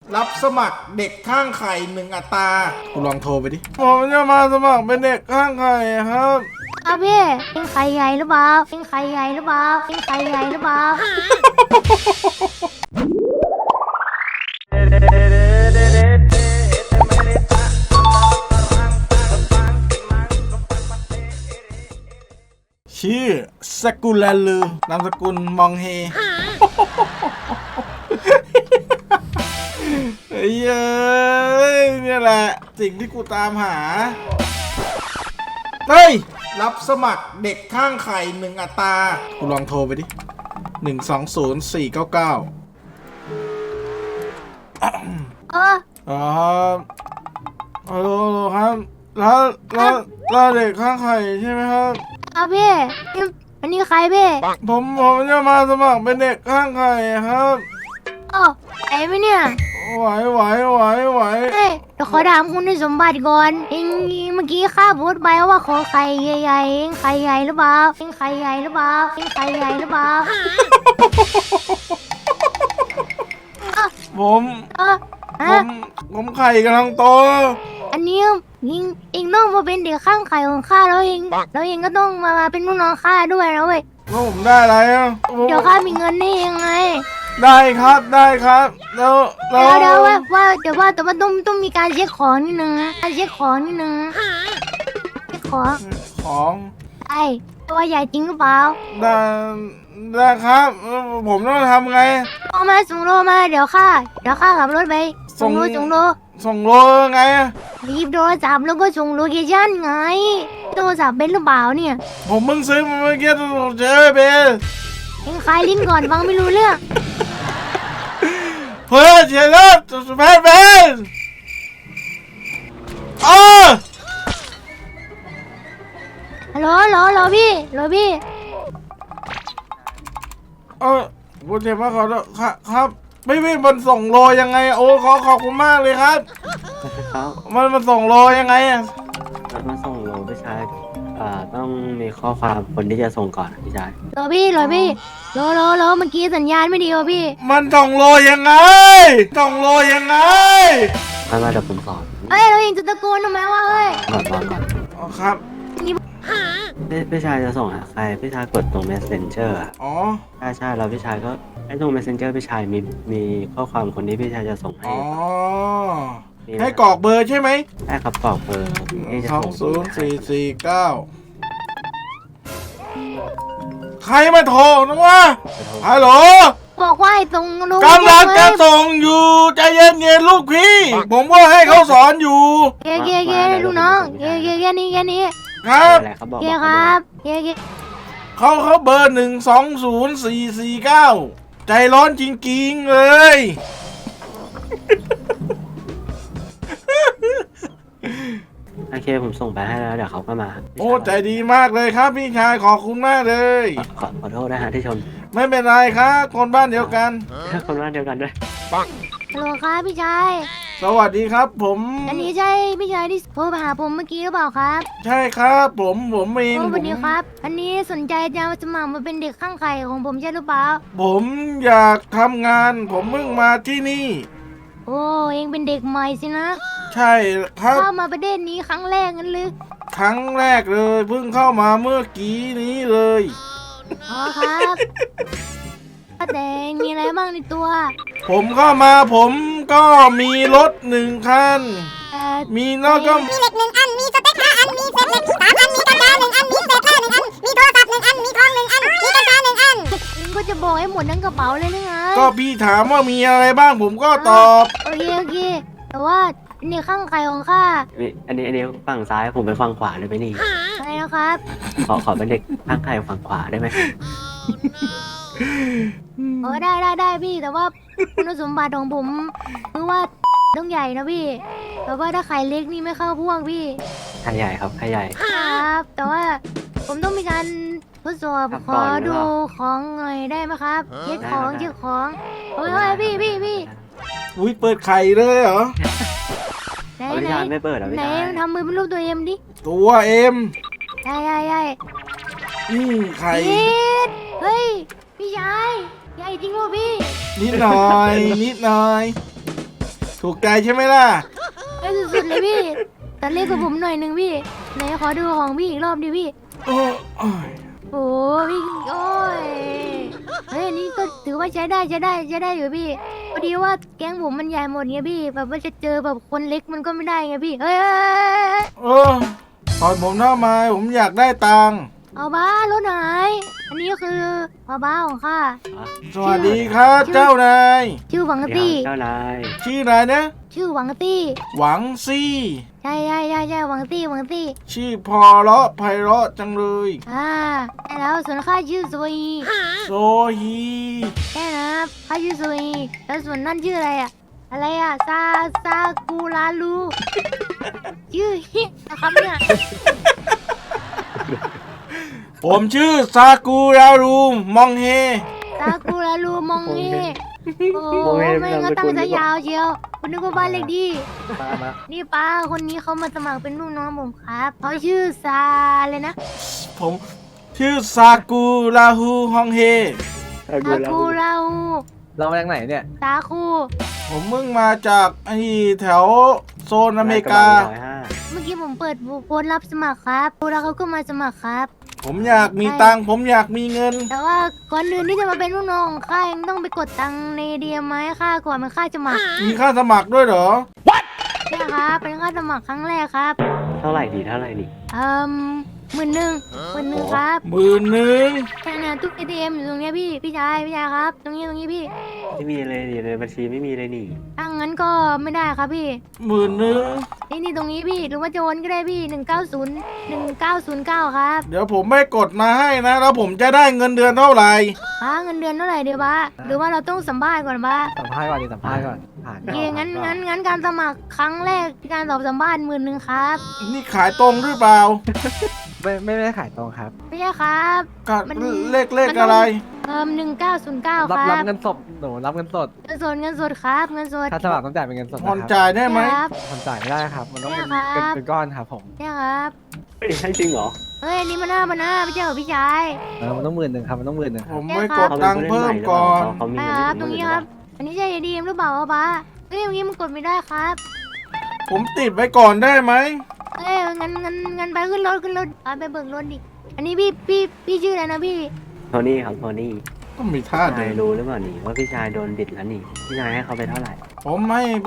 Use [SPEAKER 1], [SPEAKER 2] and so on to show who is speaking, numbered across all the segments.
[SPEAKER 1] รับสมัครเด็กข้างไข่1 อัตรากูลองโทรไปดิผมจะมาสมัครเป็นเด็กข้างไข่ครับ
[SPEAKER 2] ครับพี่เป็นไข่ใหญ่หรือเปล่าเป็นไข่ใหญ่หรือเปล่าเป็นไข่ใหญ่หรือเปล่า
[SPEAKER 1] ชื่อสกุลลือนามสกุลมองเฮเฮ้ยเนี่ยแหละสิ่งที่กูตามหาเฮ้ยรับสมัครเด็กข้างไข่1 อัตรากูลองโทรไปดิ120-499อ๋อฮัลโหลครับแล้วเด็กข้างไข่ใช่ไหมครับ
[SPEAKER 2] ครับพี่อันนี้ใครพี่
[SPEAKER 1] ผมจะมาสมัครเป็นเด็กข้างไข่ครับ
[SPEAKER 2] ไหวไหมเนี่ย
[SPEAKER 1] ไหว
[SPEAKER 2] เฮ้ยเดี๋ยวขอถามคุณสมบัติก่อนเองเมื่อกี้ข้าพูดไปว่าขอไข่ใหญ่ๆเองไข่ใหญ่หรือเปล่าเองไข่ใหญ่หรือเปล่าเองไข่ใหญ่หรือเปล่า
[SPEAKER 1] ผมไข่กำลังโต
[SPEAKER 2] อันนี้เองต้องมาเป็นเด็กข้างไข่ของข้าแล้วเองก็ต้องมาเป็นลูกน้องข้าด้วยนะเว้ย
[SPEAKER 1] แล้วผมได้อะไรอ่ะ
[SPEAKER 2] เดี๋ยวข้ามีเงินนี่ยังไง
[SPEAKER 1] ได้ครับแล้ว
[SPEAKER 2] แต่ว่าต้องมีการเช็คของนิดนึงนะการเช็คของนิดนึงเช็คของไอ้ตัวใหญ่จริงหรือเปล่า
[SPEAKER 1] ได้ครับผมต้องทำไง
[SPEAKER 2] ส่งโลมาเดี๋ยวข้าขับรถไปส่งโล
[SPEAKER 1] ไง
[SPEAKER 2] หยิบโทรศัพท์แล้วก็ส่งโลเคชั่นไงโทรศัพท์เป็นหรือเปล่าเนี่ย
[SPEAKER 1] ผมเพิ่งซื้อมาเมื่อกี้เจอเบล
[SPEAKER 2] เอ็งคลายลิ้นก่อนฟังไม่รู้เรื่อง
[SPEAKER 1] เฮ้ยเจอแล้วแพ้เบล
[SPEAKER 2] ฮัลโหลพี่
[SPEAKER 1] ผมเจ็บมากขอโทษครับไม่มันส่งโลยังไงโอ้ขอบคุณมากเลยครับมันส่งโลยังไง
[SPEAKER 3] มาส่งโลพี่ชายต้องมีข้อความคนที่จะส่งก่อนพี่ชาย
[SPEAKER 2] รอพี่โลเมื่อกี้สัญญาณไม่ดีวะพี่
[SPEAKER 1] มันส่งโลยังไง
[SPEAKER 3] มาเดี๋ยวผมสอน
[SPEAKER 2] เราเองจะตะโกนทำไมวะ
[SPEAKER 3] ก่อน
[SPEAKER 1] ครับ
[SPEAKER 3] พี่ชายจะส่งหาใครพี่ชายกดตรง messenger ใช่แล้วพี่ชายก็ไอ้ตรง messenger พี่ชายมีข้อความคนที่พี่ชายจะส่งให้
[SPEAKER 1] ให้กรอกเบอร์ใช่ไหม
[SPEAKER 3] ใช่ครับกรอกเบอร์
[SPEAKER 1] 20449ใครมาโทรนะวะฮัลโหล
[SPEAKER 2] บอกว่าให้ส่ง
[SPEAKER 1] กำลังจะส่งอยู่ใจเย็นๆลูกพี่ผมก็ให้เขาสอนอยู่
[SPEAKER 2] เกลูกน้องเกนี่
[SPEAKER 1] ครับ
[SPEAKER 2] ครับ
[SPEAKER 1] เขาเบอร์120-449ใจร้อนจริงๆเลย
[SPEAKER 3] โอเคผมส่งไปให้แล้วเดี๋ยวเขาก็มา
[SPEAKER 1] โอ้ใจดีมากเลยครับพี่ชายขอบคุณมากเลย
[SPEAKER 3] ขอโทษนะฮะที่ชน
[SPEAKER 1] ไม่เป็นไรครับคนบ้านเดียวกัน
[SPEAKER 3] ด้วย
[SPEAKER 2] ฮัลโหลครับพี่ชาย
[SPEAKER 1] สวัสดีครับผม
[SPEAKER 2] อันนี้ใช่พี่ชายที่โทรมาหาผมเมื่อกี้หรือเปล่าครับ
[SPEAKER 1] ใช่ครับผมเอง
[SPEAKER 2] สวัสดีครับอันนี้สนใจจะสมัครมาเป็นเด็กข้างไข่ของผมใช่หรือเปล่า
[SPEAKER 1] ผมอยากทำงานผมเพิ่งมาที่นี่
[SPEAKER 2] โอ้เองเป็นเด็กใหม่สินะ
[SPEAKER 1] ใช่ครับ
[SPEAKER 2] เข้ามาประเทศนี้ครั้งแรกงั้นหรือ
[SPEAKER 1] ครั้งแรกเลยเพิ่งเข้ามาเมื่อกี้นี้เลย
[SPEAKER 2] ครับแต่มีอะไรบ้างในตัว
[SPEAKER 1] ผมเข้ามาผมก็มีรถ1 คันมีแล้วก็
[SPEAKER 4] มีเหล็ก1 อันมีสเต็ก5 อันมีเศษเหล็ก3 อันมีกระดาษ1 อันมีเศษผ้า1 อันมีโทรศัพท์1 อันมีทอง1 อันมีกัญชา1 อัน
[SPEAKER 2] ก็จะบอกให้หมดทั้งกระเป๋าเลยนะไง
[SPEAKER 1] ก็พี่ถามว่ามีอะไรบ้างผมก็ตอบ
[SPEAKER 2] โอเคแต่ว่านี่ข้างไข่ของข้า
[SPEAKER 3] อันนี้ฝั่งซ้ายผมไปฝั่งขวาได้ไหมนี่
[SPEAKER 2] อะไรนะครับ
[SPEAKER 3] ขอเป็นเด็กข้างไข่ฝั่งขวาได้ไหม
[SPEAKER 2] ได้พี่แต่ว่าคุณสมบัติของผมคือว่าต้องใหญ่นะพี่แต่ว่าถ้าไข่เล็กนี่ไม่เข้าพวกพี่
[SPEAKER 3] ไข่ใหญ่ครับไข่ใหญ่
[SPEAKER 2] ครับแต่ว่าผมต้องมีการทดสอบขอดูของหน่อยได้ไหมครับเช็คของโอ้ยพี่
[SPEAKER 1] อุ้ยเปิดไข่เลยเหรอ
[SPEAKER 3] ไหนไม่เปิดหรอ
[SPEAKER 2] ไหนทำมือเป็นรูปตัวเอ็มดิ
[SPEAKER 1] ตัวเอ็ม
[SPEAKER 2] ใช่
[SPEAKER 1] ไข่
[SPEAKER 2] เฮ้ยพี่ชายใหญ่จริงวะพี่
[SPEAKER 1] นิดหน่อยถูกใจใช่ไหมล่ะ
[SPEAKER 2] ไอ้สุดๆเลยพี่แต่เล็กกว่าผมหน่อยนึงพี่ไหนขอดูของพี่อีกรอบดิพี่
[SPEAKER 1] โอ้ย
[SPEAKER 2] โอ้พี่โอ้ยเฮ้ยอันนี่ก็ถือว่าใช้ได้อยู่พี่พอดีว่าแก๊งผมมันใหญ่หมดไงพี่แบบว่าจะเจอแบบคนเล็กมันก็ไม่ได้ไงพี่เฮ้ย
[SPEAKER 1] เออตอนผมหน้าไม้ผมอยากได้ตังค์
[SPEAKER 2] เอาบ้ารถไหนอันนี้คือบ้าของข้า
[SPEAKER 1] สวัสดีครับเจ้านาย
[SPEAKER 2] ชื่อหวัง
[SPEAKER 3] เดี๋ยว
[SPEAKER 2] ตี้
[SPEAKER 3] เจ้านาย
[SPEAKER 1] ชื่ออะไรนะ
[SPEAKER 2] ชื่อหวังตี้
[SPEAKER 1] หวังซี่
[SPEAKER 2] ใช่หวังตี้
[SPEAKER 1] ชื่อพอเราะไพเราะจังเลย
[SPEAKER 2] ใช่แล้วส่วนข้าชื่อโซอี
[SPEAKER 1] โซฮี
[SPEAKER 2] แค่นะครับข้าชื่อโซอีแล้วส่วนนั่นชื่ออะไรอะซากูลาลูชื่อฮินะครับเนี่ย
[SPEAKER 1] ผมชื่อซากุรารูมองเฮ
[SPEAKER 2] ซากูลาลูมองเฮโอ้โหไม่งั้นตั้งซะยาวเชียวคุณนึกว่าบ้านเล็กดี
[SPEAKER 3] มา
[SPEAKER 2] นี่ป้าคนนี้เขามาสมัครเป็นลูกน้องผมครับเขาชื่อซาเลยนะ
[SPEAKER 1] ผมชื่อซากุราฮูฮองเฮ
[SPEAKER 2] ซากูลาลู
[SPEAKER 5] เรามาจากไหนเนี่ย
[SPEAKER 2] ซาคู
[SPEAKER 1] ผมเพิ่งมาจากไอ้แถวโซนอเมริกา
[SPEAKER 2] เมื่อกี้ผมเปิดโพสต์รับสมัครครับแล้วเขาก็มาสมัครครับ
[SPEAKER 1] ผมอยากมีตังค์ผมอยากมีเงิน
[SPEAKER 2] แต่ว่าก่อนอื่นที่จะมาเป็นลูกน้องของข้ายังต้องไปกดตังค์ในเดียมให้ข้าก่อนมันข้าจะมา
[SPEAKER 1] มีค่าสมัครด้วยเหรอ
[SPEAKER 2] ใช่ครับเป็นค่าสมัครครั้งแรกครับ
[SPEAKER 3] เท่าไหร่ดี
[SPEAKER 2] 11,000ครับ
[SPEAKER 1] 11,000
[SPEAKER 2] แค่นั้นทุก ATM อยู่ตรงเนี้ยพี่ชายครับ ตรงนี้พี่
[SPEAKER 3] ไม่มีเลยนี่ในบัญชีไม่มีเลยนี่
[SPEAKER 2] ถ้างั้นก็ไม่ได้ครับพี่
[SPEAKER 1] 11,000
[SPEAKER 2] นี่ตรงนี้พี่หรือว่าจะโอนก็ได้พี่1909ครับ
[SPEAKER 1] เดี๋ยวผมไม่กดมาให้นะ แล้วผมจะได้เงินเดือนเท่าไหร่
[SPEAKER 2] บ้าเงินเดือนเท่าไหร่เดี๋ยวบ้าหรือว่าเราต้องสัมภาษณ์ก่อนบ้า
[SPEAKER 5] สัมภาษณ์ก่อนดิสัมภาษณ์ก่อนผ่าน
[SPEAKER 2] โอเคงั้นการสมัครครั้งแรกการสอบสัมภาษณ์11,000ครับ
[SPEAKER 1] นี่ขายตรงหรือเปล่า
[SPEAKER 5] ไม่ได้ขายตรงครับ
[SPEAKER 2] ไม่ใช่ครับ
[SPEAKER 1] กั
[SPEAKER 2] มัน
[SPEAKER 1] เลขอะไร
[SPEAKER 2] 1909
[SPEAKER 5] รับ
[SPEAKER 2] ครับ
[SPEAKER 5] เงินสดหนูรับเงินสด
[SPEAKER 2] เงินสดครับเงินสด
[SPEAKER 5] ถ้าสมัครต้องจ่ายเป็นเงินสด
[SPEAKER 1] ผ่อน
[SPEAKER 5] นะครับ
[SPEAKER 1] จ่ายได้ไหม
[SPEAKER 2] ครับ
[SPEAKER 5] ผ่อนจ่ายไม่ได้ครับ มันต้องเป็น
[SPEAKER 2] ได้ครับ
[SPEAKER 5] เป็นก้อนครับผม
[SPEAKER 2] เนี่ยครับ
[SPEAKER 3] เฮ้ยให้จริงเหรอ
[SPEAKER 2] เฮ้ยอันนี่มันหน้าไม่ใช่เหรอพี่ชาย
[SPEAKER 5] มันต้อง10,000ครับมันต้อง10,000ค
[SPEAKER 1] ผ
[SPEAKER 5] รับ
[SPEAKER 1] มไม่กดตังค์เพิ่มก่อน
[SPEAKER 3] เขามี
[SPEAKER 2] ใช่
[SPEAKER 3] เงิน
[SPEAKER 2] ครับ
[SPEAKER 3] ให้
[SPEAKER 2] ตรงนี้
[SPEAKER 3] 10,000
[SPEAKER 2] ครับ อันนี้ใช่ดีมหรือเปล่าป้าเฮ้ยอย่างนี้มันกดไม่ได้ครับ
[SPEAKER 1] ผมติดไว้ก่อนได้ไหม
[SPEAKER 2] เอ้ยงั้นไปขึ้นรถไปเบิกรถดิอันนี้พี่ชื่ออะไรนะพี่
[SPEAKER 3] โทนี่ครับโทนี่
[SPEAKER 1] ก็มีท่า
[SPEAKER 3] พี่
[SPEAKER 1] เดิ
[SPEAKER 3] ชาย
[SPEAKER 1] น
[SPEAKER 3] รู้หรือเปล่านี่ว่าพี่ชายโดนบิดแล้วนี่พี่ชายให้เขาไปเท่าไหร่
[SPEAKER 1] ผมให้ไป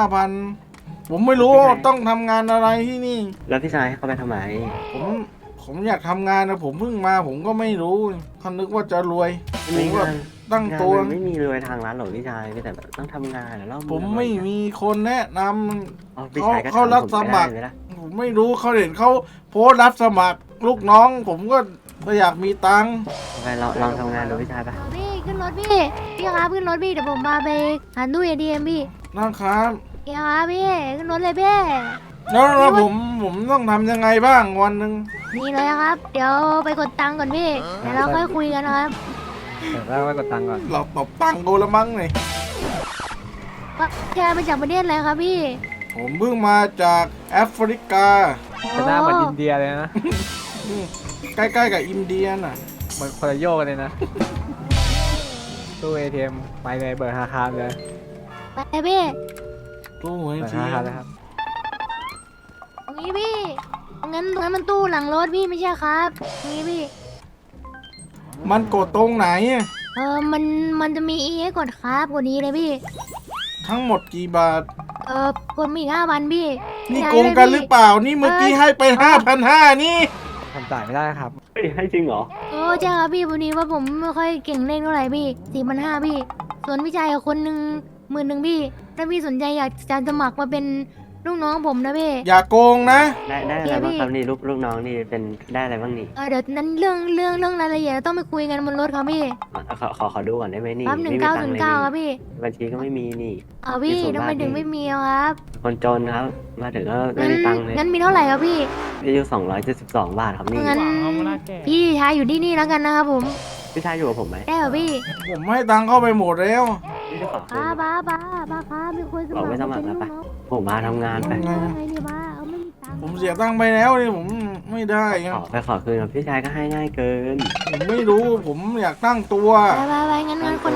[SPEAKER 1] 5,000 ผมไม่รู้ว่าต้องทำงานอะไรที่นี่
[SPEAKER 3] แล้วพี่ชายให้เขาไปทำไม
[SPEAKER 1] ผมอยากทำงานนะผมเพิ่งมาผมก็ไม่รู้เขานึกว่าจะรวยผมก็ตั้งตัว
[SPEAKER 3] งานมันไม่มีรวยทางร้านหรอกพี่ชายมีแต่แบบต้องทำงานแล้ว
[SPEAKER 1] ผมไม่มีคนแนะน
[SPEAKER 3] อ๋อพี่ชายก็
[SPEAKER 1] เขารับสมัคร
[SPEAKER 3] ทำผไได้เลยนะ
[SPEAKER 1] ำผมไม่รู้เขาเห็นเขาโพสต์รับสมัครลูกน้อง ผมก็อยากมีตังค์
[SPEAKER 3] ไปลองทำงานดูพี่ชายปะ
[SPEAKER 2] เอาพี่ขึ้นรถพี่ครับขึ้นรถพี่เดี๋ยวผมมาไปหาตู้ ATM พี่
[SPEAKER 1] นะครับ
[SPEAKER 2] พี่ครับพี่ขึ้นรถเลยพี่
[SPEAKER 1] แล้วผมต้องทำยังไงบ้างวันหนึ่ง
[SPEAKER 2] นี่เลยครับ เดี๋ยวไปกดตังค์ก่อนพี่เดี๋ยวเราค่อยคุยกันนะครับ
[SPEAKER 5] เดี๋ยวเราไปกดตังค์ก่อน
[SPEAKER 1] เราตบตังค์กูละมั้งเลย
[SPEAKER 2] ว่าแกมาจากประเทศอะไรครับพี่
[SPEAKER 1] ผมเพิ่งมาจากแอฟริกา
[SPEAKER 5] จะหน้าเหมือนอินเดียเลยนะ
[SPEAKER 1] ใกล้ๆกับอินเดียน่ะ
[SPEAKER 5] เหมือนคนละโยกกันเลยนะ ตู้ ATM ไปเลยเบิกธนาคารเลย
[SPEAKER 2] ไปพี่
[SPEAKER 1] ตู้หวย
[SPEAKER 5] เบิกธ
[SPEAKER 1] จี
[SPEAKER 5] นาคาร
[SPEAKER 1] น
[SPEAKER 5] เลยครับ
[SPEAKER 2] ตรงนี้พี่งั้นมันตู้หลังรถพี่ไม่ใช่ครับตรงนี้พี่
[SPEAKER 1] มันกดตรงไหนอะ
[SPEAKER 2] มันจะมีให้กดครับกดนี้เลยพี่
[SPEAKER 1] ทั้งหมดกี่บาท
[SPEAKER 2] กดมีอีก5,000พี่
[SPEAKER 1] นี่โกงกันหรือเปล่า นี่เมื่อกี้ให้ไป5,500นี่
[SPEAKER 5] ทำจ่ายไม่ได้ครับ
[SPEAKER 3] เฮ้ยให้จริงเหรอ
[SPEAKER 2] โอ้ใช่ครับพี่วันนี้ว่าผมไม่ค่อยเก่งเลขเท่าไหร่พี่4,500พี่ ส่วนพี่ชายกับคนหนึ่ง10,000พี่ถ้าพี่สนใจอยากจะสมัครมาเป็นลูกน้องผมนะพี่
[SPEAKER 1] อย่าโกงนะ
[SPEAKER 3] ได้อะไรบ้างครับนี่ลูกน้องนี่เป็นได้อะไรบ้างนี่
[SPEAKER 2] เดี๋ยวนั้นเรื่องรายละเอียดต้องไปคุยกันบนรถครับพี่
[SPEAKER 3] ขอดูก่อนได้ไหมนี่
[SPEAKER 2] ครับ
[SPEAKER 3] ไม่มีตังค์เลย
[SPEAKER 2] 1909ครับพี่
[SPEAKER 3] บัญชีก็ไม่มีนี่
[SPEAKER 2] พี่
[SPEAKER 3] มีศูนย์
[SPEAKER 2] ทำไม
[SPEAKER 3] บาท
[SPEAKER 2] ถึง
[SPEAKER 3] นี่
[SPEAKER 2] ไม่มีอะครับ
[SPEAKER 3] คนจนครับ มาถึงก็ไม่มีตังค์เลย
[SPEAKER 2] งั้นมีเท่าไหร่ครับพี่
[SPEAKER 3] อายุ272 บาทครับนี่
[SPEAKER 2] งั้นพี่ชายอยู่ที่นี่แล้วกันนะครับผม
[SPEAKER 3] พี่ชายอยู่กับผมไหม
[SPEAKER 2] ได้เหรอพี่
[SPEAKER 1] ผมให้ตังค์เข้าไปหมดแล้ว
[SPEAKER 3] พี่จะขอคืน
[SPEAKER 2] บ้าครับมีคนสมัคร
[SPEAKER 3] บอกไม่สมัครแล้วปะ ผมมาทำงานไป
[SPEAKER 2] ไงดีบ้าเอาไม่มีตังค์
[SPEAKER 1] ผมเสียตังค์ไปแล้วนี่ผมไม่ได้ไง
[SPEAKER 3] ขอคืนครับพี่ชายก็ให้ง่ายเกิน
[SPEAKER 1] ผมไม่รู้ผมอยากตั้งตัว
[SPEAKER 2] ไปงั้นคนเดียวครับ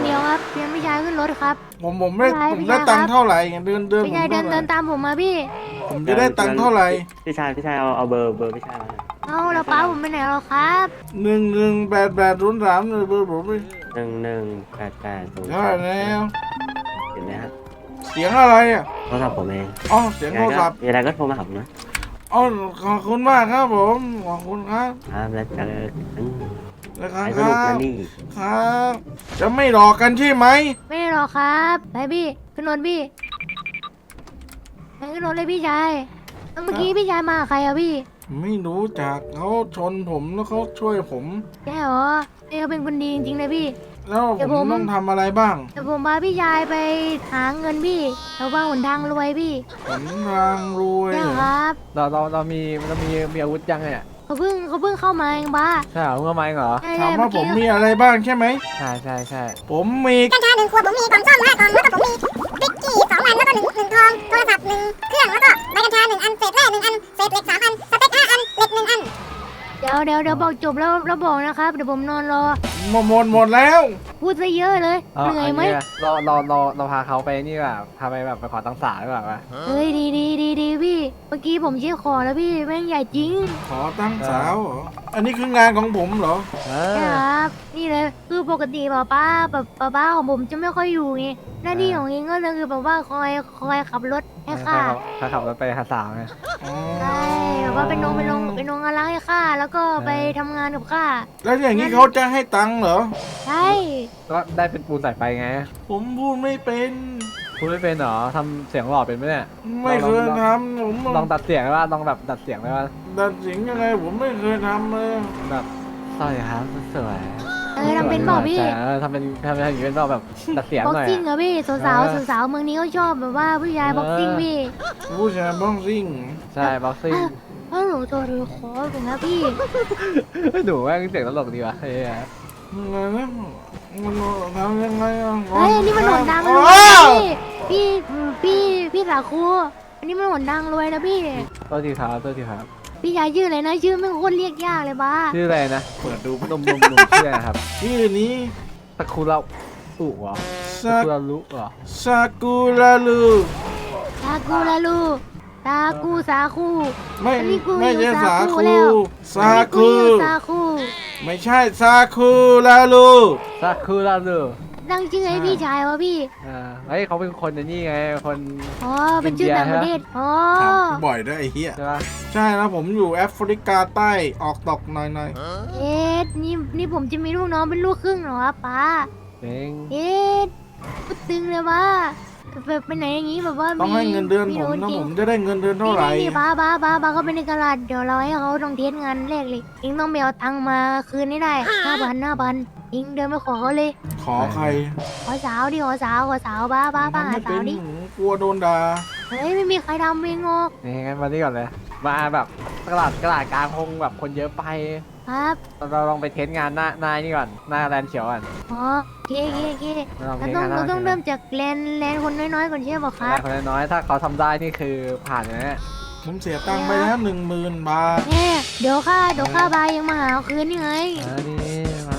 [SPEAKER 2] เพียงพี่ชายขึ้นรถครับ
[SPEAKER 1] ผมไม่
[SPEAKER 2] ไม่
[SPEAKER 1] ผม
[SPEAKER 2] ไม่
[SPEAKER 1] ได้
[SPEAKER 2] ได้
[SPEAKER 1] ตังค์
[SPEAKER 2] ครับ
[SPEAKER 1] เท่าไหร่เดิน
[SPEAKER 2] พี่ชายเดิน
[SPEAKER 1] ผม
[SPEAKER 2] เดิ
[SPEAKER 1] เท่าน ไหร่
[SPEAKER 2] ตามผมมาพี่
[SPEAKER 1] ผมจะได้ตังค์เท่าไหร่
[SPEAKER 3] พี่ชายเอาเบอร์พี่ชายมาหน่อย
[SPEAKER 2] เอาแล้วป้าผมไปไหนแล้วครับ
[SPEAKER 1] 118803เลยเบอร์ผมเลย
[SPEAKER 3] 118803
[SPEAKER 1] ใช่แล้ว
[SPEAKER 3] เห็นไหมฮะ
[SPEAKER 1] เสียงอะไรอ่ะ
[SPEAKER 3] โทรศัพท์ผมเอง
[SPEAKER 1] อ๋อเสียงโทรศัพท์
[SPEAKER 3] มีอะไรก็โทรมาหาผมนะ
[SPEAKER 1] อ๋อขอบคุณมากครับผมขอบคุณครับ
[SPEAKER 3] ครับแล้วเจอกัน
[SPEAKER 1] แล้วครั
[SPEAKER 3] ไป
[SPEAKER 1] บ
[SPEAKER 3] สนุกกันนี่
[SPEAKER 1] ครับจะไม่หลอกกันใช่ไหม
[SPEAKER 2] ไม่ได้หรอกครับไปพี่ขึ้นรถพี่ไปขึ้นรถเลยพี่ชายแล้วเมื่อกี้พี่ชายมากับใครอะพี่
[SPEAKER 1] ไม่รู้จักเขาชนผมแล้วเขาช่วยผม
[SPEAKER 2] ใช่เหรอพี่เขาเป็นคนดีจริงๆเลยพี่
[SPEAKER 1] แล้ว
[SPEAKER 2] เดี๋ยว
[SPEAKER 1] ผ
[SPEAKER 2] ผม ม
[SPEAKER 1] ต้องทำอะไรบ้าง
[SPEAKER 2] แต่ผมพาพี่ชายไปหาเงินพี่เราว่าหนทางรวยพี่
[SPEAKER 1] หนทางรวย
[SPEAKER 2] ใช่ครับ
[SPEAKER 5] เรามีอาวุธยังไงเนี่ย
[SPEAKER 2] เขาเพิ่งเข้ามาเองบ้า
[SPEAKER 5] ใช่เหรอเมื่อไหร่เหรอ
[SPEAKER 2] ใช่
[SPEAKER 1] ถาม
[SPEAKER 2] เมื่
[SPEAKER 1] ว่า
[SPEAKER 2] อ
[SPEAKER 1] ผม
[SPEAKER 2] กี้
[SPEAKER 1] มีอะไรบ้างใช่ไหม
[SPEAKER 5] ใช่ใช่
[SPEAKER 1] ผมมี
[SPEAKER 4] กัญชา1 ขวดผมมีกล่องส้ม5 กล่องแล้วก็ผมมีติ๊กกี้2 อันแล้วก็1 ทองโทรศัพท์1 เครื่องแล้วก็ใบกัญชา1 อันเศษแร่1 อันเศษเหล็ก3 อันสเต็ก5 อันเหล็ก1 อัน
[SPEAKER 2] เดี๋ยวบอกจบแล้วบอกนะครับเดี๋ยวผมนอนรอ
[SPEAKER 1] หมดแล้ว
[SPEAKER 2] พูดซะเยอะเลย
[SPEAKER 5] เอา
[SPEAKER 2] เหนื่อยไหม
[SPEAKER 5] เราพาเขาไปนี่แบบพาไปแบบไปขอตังค์ศาลหรือเปล่าวะ
[SPEAKER 2] เฮ้ยดีพี่ เมื่อกี้ผมเช็คขอแล้วพี่แม่งใหญ่จริง
[SPEAKER 1] ขอตั้งสาวเหรออันนี้คืองานของผมเหรอ
[SPEAKER 5] เอ
[SPEAKER 2] ใช่
[SPEAKER 5] อ
[SPEAKER 2] ครับ นี่เลยคือปกติป้าของผมจะไม่ค่อยอยู่ไงหน้าที่ของเองก็เลยคือแบบว่าคอยขับรถให้ข้า
[SPEAKER 5] ถ้าขับรถไปหาสาวไง
[SPEAKER 1] อ๋อ
[SPEAKER 2] ใช่แบบว่าเป็นนงอะไรให้ข้าแล้วก็ไปทำงานกับข้า
[SPEAKER 1] แล้วอย่างนี้เขาจะให้ตังค์เหรอ
[SPEAKER 2] ใช่
[SPEAKER 5] ก็ได้เป็นปูนสายไฟไง
[SPEAKER 1] ผมพูดไม่เป็น
[SPEAKER 5] พูดไม่เป็นเหรอทำเสียงหล่อเป็นไหมเนี่ย
[SPEAKER 1] ไม่เคยทำผม
[SPEAKER 5] ลองดัดเสียงได้ป่ะลองแบบดัดเสียงได้ป่ะ
[SPEAKER 1] ดัดเสียงยังไงผมไม่เคยทำเลย
[SPEAKER 5] แบบสวัสดีครับสวย
[SPEAKER 2] ทำเป็นเปล่าพี่
[SPEAKER 5] ทำอย่างนี้เป็นเปล่าแบบดัดเสียง
[SPEAKER 2] บ็อก
[SPEAKER 5] หน่อย
[SPEAKER 2] ซิ่งเหรอพี่สาวเมืองนี้เขาชอบแบบว่าผู้ชายบ็อกซิ่งพี่
[SPEAKER 1] ผู้ชายบ้องซิ่ง
[SPEAKER 5] ใช่บ็อกซิ่ง
[SPEAKER 2] ถ้าหนูโทรถือขอผมนะพี่
[SPEAKER 5] หนูแม่งเสียงตลกดีว่ะเฮ้ย
[SPEAKER 1] ยังไงนะมันทำยังไงอ่ะ
[SPEAKER 2] เฮ้ยอันนี่มันหนดังรวย
[SPEAKER 1] อ้าว
[SPEAKER 2] นะพี่สาคูอันนี้มันหนดังรวยนะพี่
[SPEAKER 5] โทษทีครับ
[SPEAKER 2] พี่ชายชื่ออะไรนะชื่อไม่งโคตรเรียกยากเลยบ้า
[SPEAKER 5] ชื่ออะไรนะ
[SPEAKER 1] เปิดดู
[SPEAKER 5] หนุ่มชื่ออะไรครับ
[SPEAKER 1] ชื่อนี้
[SPEAKER 5] ตะคุระอุเหรอ
[SPEAKER 1] ซา
[SPEAKER 5] ตะคุระลุเหรอ
[SPEAKER 1] ซากุระลู
[SPEAKER 2] สาคูละลูสาคู
[SPEAKER 1] ไม่
[SPEAKER 2] อันนี้กู
[SPEAKER 1] ไม่
[SPEAKER 2] อยู่
[SPEAKER 1] ใช่สา
[SPEAKER 2] สาคู
[SPEAKER 1] คู
[SPEAKER 2] แล้ว
[SPEAKER 1] ซา
[SPEAKER 2] อันนี้กู
[SPEAKER 1] คู
[SPEAKER 2] อยู่สาคู
[SPEAKER 1] ไม่ใช่ซาคูระลู
[SPEAKER 5] ตะคุระลุ
[SPEAKER 2] ตั้งชื่อให้พี่ชายวะพี่
[SPEAKER 5] เฮ้ยเขาเป็นคนนี่ไงคน
[SPEAKER 2] อ๋อเป็นชื่อต่างประเทศอ๋อ
[SPEAKER 1] ถามกูบ่อยด้วยไอ้เหี้ย
[SPEAKER 5] ใช่ปะ
[SPEAKER 1] ใช่แล้วผมอยู่แอฟริกาใต้ออกตกหน่อย
[SPEAKER 2] เอ็ดนี่ผมจะมีลูกน้องเป็นลูกครึ่งเหรอวะป้า
[SPEAKER 5] เจ๋ง
[SPEAKER 2] เอ็ดพูดตึงเลยว่าแบบไปไหนอย่างงี้แบบว่า
[SPEAKER 1] ๆต้องให้เงินเดือนผมนะผมจะได้เงินเดือนเท่าไหร่
[SPEAKER 2] นี่ป้าก็เป็นในตลาดเดี๋ยวเราให้เขาต้องเทสงานแรกเลยเองต้องไปเอาตังค์มาคืนให้ได้5,000เองเดินไปขอเขาเลย
[SPEAKER 1] ขอใคร
[SPEAKER 2] ขอสาวดิขอสาวป้าหา
[SPEAKER 1] ทำไม่
[SPEAKER 2] สา
[SPEAKER 1] เป็
[SPEAKER 2] วน ดิ
[SPEAKER 1] กลัวโดนด่า
[SPEAKER 2] เฮ้ยไม่มีใครทำเองงอก
[SPEAKER 5] นี่งั้นมาที่ก่อนเลย มาแบบตลาดกลางคงแบบคนเยอะไป
[SPEAKER 2] ครับ
[SPEAKER 5] เราลองไปเทสงานหน้านี่ก่อน หน้าแลนด์เขียวก่อน
[SPEAKER 2] อ๋อเค
[SPEAKER 5] เราลอง
[SPEAKER 2] เรา
[SPEAKER 5] เทส
[SPEAKER 2] ต้อง
[SPEAKER 5] งานห
[SPEAKER 2] เรา
[SPEAKER 5] น้า
[SPEAKER 2] ต้องเริ่มจากแลนคนน้อยๆก่อนใช่ไหมค
[SPEAKER 5] แล
[SPEAKER 2] รับ
[SPEAKER 5] นด์คนน้อยๆถ้าเขาทำได้นี่คือผ่านเลยนะ
[SPEAKER 1] ผมเสียตังค์ไปแล้ว10,000 บาท
[SPEAKER 2] เนี่ยเดี๋ยวค่าบายยังมาหาเอาคืนนี่ไง
[SPEAKER 5] นี่มา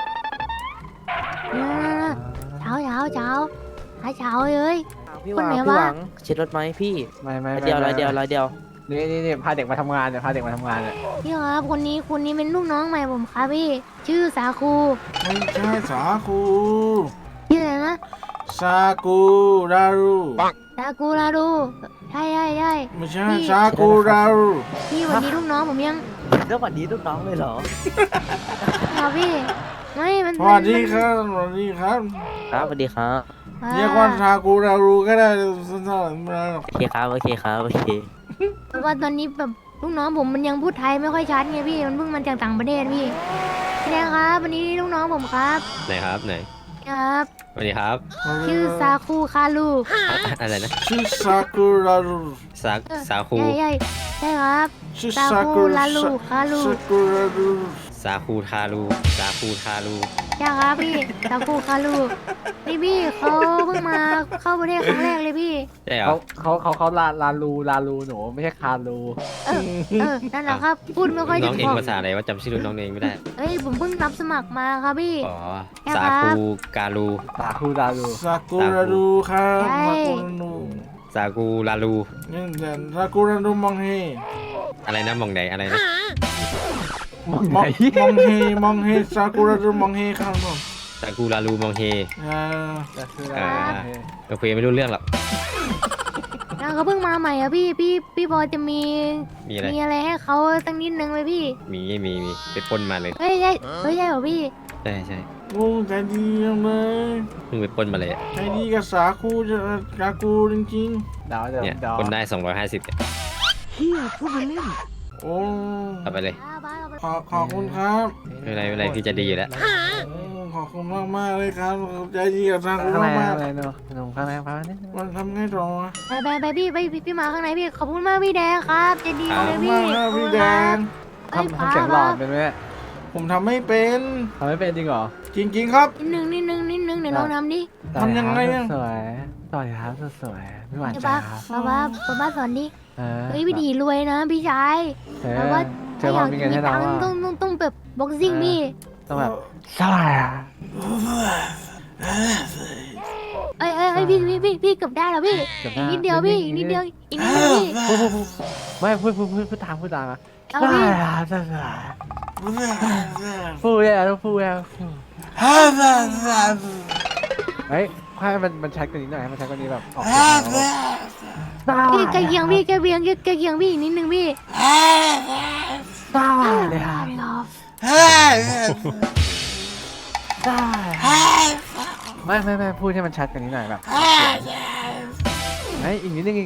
[SPEAKER 2] เช้าหาเช้าเลย
[SPEAKER 6] พี่
[SPEAKER 2] คนไหน
[SPEAKER 6] พี่
[SPEAKER 2] วะ
[SPEAKER 6] หวังเช็ดรถไหมพี่
[SPEAKER 5] ไม่
[SPEAKER 6] ร้อยเดียวร้อยเดียว
[SPEAKER 5] นี่พาเด็กมาทำงานเนี่ยพาเด็กมาทำงานเนี่ย
[SPEAKER 2] พี่ครับคนนี้เป็นลูกน้องใหม่ผมครับพี่ ชื่อสาคู
[SPEAKER 1] ไม่ใช่สาคู
[SPEAKER 2] ชื่ออะไรนะ
[SPEAKER 1] ซากุรารู
[SPEAKER 2] สาคูลาดูใช่
[SPEAKER 1] ไม่ใช่ซากุรารู
[SPEAKER 2] พี่วันนี้ลูกน้องผมยัง
[SPEAKER 6] แล้ววันนี้ลูกน้องเลยเหรอ
[SPEAKER 2] ครับพี่ไม่มัน
[SPEAKER 1] สวัสดีครับสวัสดีครับ
[SPEAKER 6] ครับสวัสดีครับ
[SPEAKER 1] เรียกว่าซากุรารูก็ได้สั้นๆไม่ได้หรอก
[SPEAKER 6] โอเคครับโอเค
[SPEAKER 2] เพราะว่าตอนนี้แบบลูกน้องผมมันยังพูดไทยไม่ค่อยชัดไงพี่มันเพิ่งมาจากต่างประเทศพี่พี่แดงครับวันนี้ลูกน้องผมครับ
[SPEAKER 7] ไหนครับไหน
[SPEAKER 2] ครับ
[SPEAKER 7] สวัสดีครับ
[SPEAKER 2] ชื่อซาคูคารู
[SPEAKER 7] อะไรนะ
[SPEAKER 1] ชื่อซากุรารู
[SPEAKER 7] สาคู
[SPEAKER 2] ใช่ครับ
[SPEAKER 1] ชื่อ
[SPEAKER 2] ซา
[SPEAKER 1] ซา
[SPEAKER 2] คู
[SPEAKER 1] กุ
[SPEAKER 2] ลาลูคารู
[SPEAKER 1] ซากุรารู
[SPEAKER 7] สาคูทารูสาคูทารู
[SPEAKER 2] จ้าครับพี่ซากุคารุพี่เขาเพิ่งมาเข้าประเทศครั้งแรกเลยพี่
[SPEAKER 7] ใช่เหร
[SPEAKER 5] เขา
[SPEAKER 7] อ
[SPEAKER 5] ลาลูหนูไม่ใช่คารู
[SPEAKER 2] นั่นแหละครับพูดไม่ค่อย
[SPEAKER 7] น้
[SPEAKER 2] จะ
[SPEAKER 7] องเอ
[SPEAKER 2] ถู
[SPEAKER 7] ง
[SPEAKER 2] ก
[SPEAKER 7] ภาษาอะไรว่าจำชื่อน้องเองไม่ได้
[SPEAKER 2] เอ้ยผมเพิ่งรับสมัครมาครับพี่
[SPEAKER 7] อ๋อ
[SPEAKER 2] ใช่
[SPEAKER 7] สา
[SPEAKER 2] ครับ
[SPEAKER 7] คูการู
[SPEAKER 5] ลาคูลาลู
[SPEAKER 1] ซากุระดูครับ
[SPEAKER 2] ใช่
[SPEAKER 1] ซากุระดู
[SPEAKER 7] สากูลาลู
[SPEAKER 1] นี่เดี๋ยวซากุระดูมองเฮ
[SPEAKER 7] อะไรนะมองไหนอะไรนะ
[SPEAKER 5] มอง
[SPEAKER 1] ม
[SPEAKER 5] ไหน
[SPEAKER 1] องเฮซากุระดูมองเฮครับผม
[SPEAKER 7] สากูลาลูมองเฮ
[SPEAKER 5] ลาคูลา
[SPEAKER 7] อ่า
[SPEAKER 5] ลู
[SPEAKER 7] โอเคไม่รู้เรื่องหรอก
[SPEAKER 2] แล้วเขาเพิ่งมาใหม่อะพี่พอจะมี
[SPEAKER 7] มีอะไร
[SPEAKER 2] อะไรให้เขาสักนิดนึงไหมพี่
[SPEAKER 7] มีไปปล้นมาเลย
[SPEAKER 2] เฮ้ยใช่เหรอพี่
[SPEAKER 7] ใช่
[SPEAKER 1] โอ้ใจดีจังเลย
[SPEAKER 7] เพิ่งไปปล้นมาเลย
[SPEAKER 1] ใจดีกับสาคูจะซากูจริง
[SPEAKER 5] เดี๋ยว
[SPEAKER 7] เนี่ย
[SPEAKER 5] เดี๋ยว
[SPEAKER 7] ปล้นได้250เนี่ย
[SPEAKER 1] ๆโอ้
[SPEAKER 7] เอาไปเลย
[SPEAKER 1] ขอบคุณครับ
[SPEAKER 7] ไม่เป็นไรพี่จะดีอยู่แล้ว
[SPEAKER 1] ขอบคุณมากๆเลยครับใจดีกับซากุ
[SPEAKER 5] ข้างใน
[SPEAKER 1] มาก
[SPEAKER 5] ข้างในหนูข้างในพักนิดนึง
[SPEAKER 1] ๆมันทำไงต่อวะ
[SPEAKER 2] ไปพี่มาข้างในพี่ขอบคุณมากพี่แดงครับใจะดี
[SPEAKER 1] ขอบ
[SPEAKER 2] เลย
[SPEAKER 1] คุณ
[SPEAKER 2] พี่
[SPEAKER 1] มากครับพี่แดง
[SPEAKER 2] เอ้ย
[SPEAKER 5] ทำเสียงหลอดเป็นไหม
[SPEAKER 1] ผมทำไม่เป็น
[SPEAKER 5] ทำไม่เป็นจริงเหรอ
[SPEAKER 1] จริงๆครับ
[SPEAKER 2] นิดนึงเดี๋ยวลองทำดิ
[SPEAKER 1] ทำยังไงอะ
[SPEAKER 5] สวยต่อยครับสวยไม่หวาน
[SPEAKER 2] เดี๋ยว
[SPEAKER 5] จ้า
[SPEAKER 2] ป้า
[SPEAKER 5] ครับ
[SPEAKER 2] ป้าสอนดิ
[SPEAKER 5] เออ
[SPEAKER 2] เฮ้ยวิธีรวยนะพี่ชาย
[SPEAKER 5] เอ
[SPEAKER 2] แต่
[SPEAKER 5] อ
[SPEAKER 2] ว่า
[SPEAKER 5] เจอความมีเงินให้เรา
[SPEAKER 2] ตังค์
[SPEAKER 5] อะ
[SPEAKER 2] ต้องแบบบ็อกซิ่งพี่
[SPEAKER 5] ต้องแบบสบายอ่ะ
[SPEAKER 2] เอ้ยพี่เกือบได้แล้วพี่อีกนิดเดียวพี่อีกนิดเดียวพี่
[SPEAKER 5] ไม่พูดตามอ่ะ
[SPEAKER 2] เอา
[SPEAKER 5] ส
[SPEAKER 2] พี่
[SPEAKER 5] บายอ่ะสบายพูดเลยอ่ะต้องพูดอ่ะเฮ้ยให้มันชัดกว่านี้หน่อยให้มันชัดกว่านี้แบบออกเสียงแล้ว
[SPEAKER 2] พี่ใกล้เคียงพี่อีกนิดนึงพี่
[SPEAKER 5] สบายเลยครับไม่พูดให้มันชัดกว่านี้หน่อยแบบไม่อีกนิดนึง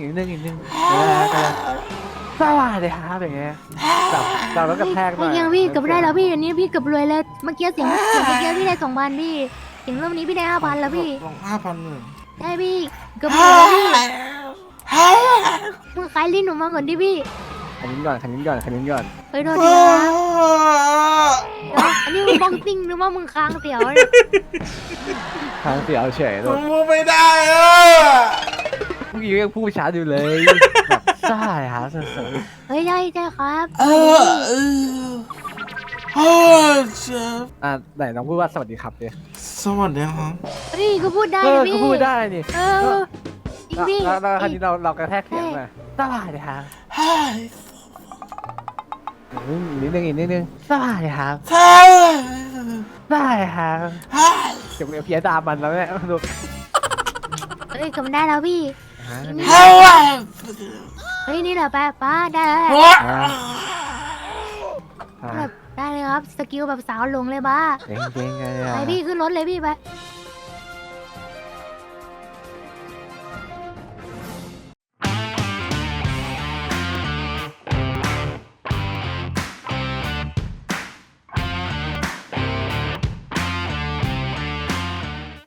[SPEAKER 5] สบายเลยครับอย่างเงี้ยแบบเราต้องกระแทกหน่อย
[SPEAKER 2] ใกล้เคียงพี่เกือบได้แล้วพี่อันนี้พี่เกือบรวยแล้วเมื่อกี้เสียงเมื่อกี้พี่ได้2,000พี่เสียงรอบนี้พี่ได้5,000แล้วพี่
[SPEAKER 1] ลอง5,000หนึ่ง
[SPEAKER 2] ได้พี่เกือบรวยแล้วพี่มึงขายลิ้นหนูมาก่อนดิพี่
[SPEAKER 5] ขันนิ้นก่อน
[SPEAKER 2] เฮ้ยโทษทีนะครับเดี๋ยวอันนี้มึงบ้องติ้งหรือว่ามึงค้างเสียวเนี่ย
[SPEAKER 5] ทางเสียเอาเฉยเล
[SPEAKER 1] ผ
[SPEAKER 5] ย
[SPEAKER 1] มพูดไม่ได้อะ
[SPEAKER 5] เมื่อกี้ยังพูดช้าอยู่เลยแบบใช่ครับสุด
[SPEAKER 2] เฮ้ยได้ครับ
[SPEAKER 5] อ่ะไหนน้องพูดว่าสวัสดีครับดิ
[SPEAKER 1] สวัสดีครับ
[SPEAKER 2] เฮ้ยก็พูดได้
[SPEAKER 5] ก็
[SPEAKER 2] พี่
[SPEAKER 5] พูดได้นี่
[SPEAKER 2] จริงพี่
[SPEAKER 5] แล้วคราวนี้เรากระแทกเสียงหน่อยสบายเลยครับอีกนิดนึงสบายเลยครับสบายเลยครับเก็บเพี้ยดามันแล้วเนี่ยลูก
[SPEAKER 2] เฮ้ยกำได้แล้วพี่เฮ้ยนี่แหละป้าได้แล้วแบบได้เลยครับสกิลแบบสาวหลงเลยบ้า
[SPEAKER 5] เก่งๆเลย
[SPEAKER 2] ไปพี่ขึ้นรถเลยพี่ไป
[SPEAKER 5] เ